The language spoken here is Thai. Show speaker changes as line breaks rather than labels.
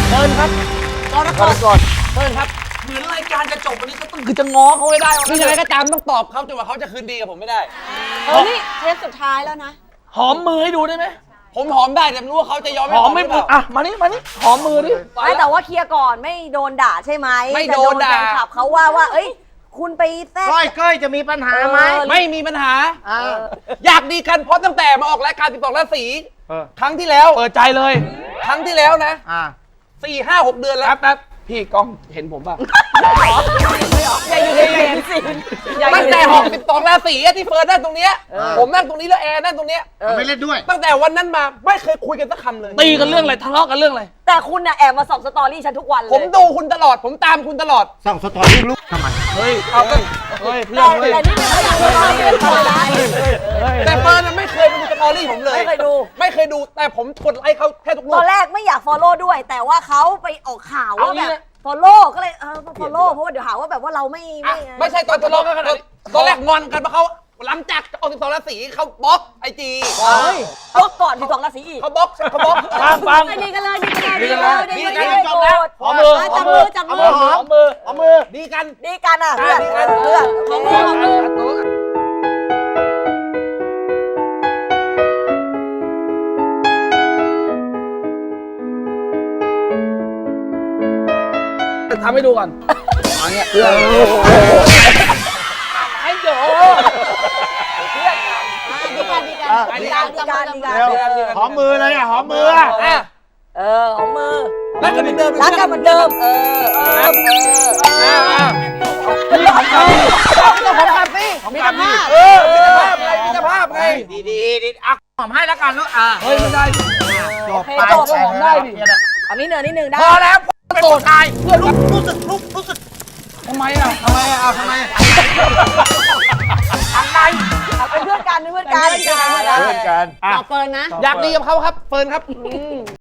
เฟิร์นครับกรกฎเฟิร์นครับเหมือนรายการจะจบวันนี้ก็ต้องคือจะง้อเขาไม่ได้คือยังไงก็ตามต้องตอบเขาจนกว่าเขาจะคืนดีกับผมไม่ได้
นี่เทปสุดท้ายแล้วนะ
หอมมือให้ดูได้ไหมผมหอมได้แต่ไม่รู้ว่าเขาจะยอมหอมไม่หรือเปล่าอ่ะมานี่หอมมือดิ
ไม่แต่ว่าเคลียร์ก่อนไม่โดนด่าใช่ไหม
ไม่โดนด่า
แฟนคลับเขาว่าเอ้ยคุณไปแทรก
ก้อยจะมีปัญหาไหม
ไม่มีปัญหาอยากดีกันเพราะตั้งแต่มาออกรายการ12ราศีครั้งที่แล้วเปิดใจเลยครั้งที่แล้วนะ4-5-6 เดือนแล้วแป๊บพี่กล้องเห็นผมป่ะ
อย่าอยู่ในเฟรมสิ
ตั้งแต่หอก12ราศีที่เฟิร์นนั่งตรงเนี้ยผมนั่งตรงนี้แล้วแอร์นั่งตรงเนี้ย
ไม่เล่นด้วย
ตั้งแต่วันนั้นมาไม่เคยคุยกันสักคำเลยตีกันเรื่องอะไรทะเลาะกันเรื่องอะไร
แต่คุณน่ะแอบมาส่องสตอรี่ฉันทุกวันเลย
ผมดูคุณตลอดผมตามคุณตลอด
ส่องสตอรี่ลูกทำไม
เฮ้ยเอาก็เฮ้ยเพื่อนเฮ้ย
แต่นี่ไม่เคยอยากสตอรี่เลยนะ
แต่เฟิร์นไม่เคยดูสตอรี่ผมเลย
ไม่เคยดู
ไม่เคยดูแต่ผมกดไลค์เขาแค่ทุกรู
ต
ป
อนแรกไม่อยาก follow ด้วย แต่ว่าเขาไปออกข่าวว่าแบบ follow ก็เลยfollow เพราะว่าเดี๋ยวหาว่าแบบว่าเรา
ไม่ใช่ตอนทะเลาะกันตอนแรกงอนกันเพราะเขาหลังจากออก12ราศีเขาบล็อกไอจี
ก็ก่อนที่2ราศีอีก
เขาบล็อกฟัง
ดีกันเลยดีกันเลยดีกัน
จบแล้ว
หอมมือจับมือ
ดีกัน
ดีกันอ่ะเพื่อนหอมมือ
ทำให้ดูก่อนอย่างเงี้ยไอ้โย
ดีกัน
หอมมือเลยหอมมือ
หอมมือ
รักกันเหมือนเดิม
รักกันเหมือนเดิม
มีของกันสิมีกันภาพมีภาพไงดีอ่ะหอมให้แล้วกันลูกเฮ้ยไม่ได้จบไปหอมได้ดิ
อันนี้นิดนึงได้
พอแล้วโกรธตายเพื่อนรู้สึกทำไมทำไมอะไร
เป็นเพื่อนกันต่อเฟิร์นนะ
อยากดีกับเขาครับเฟิร์นครับ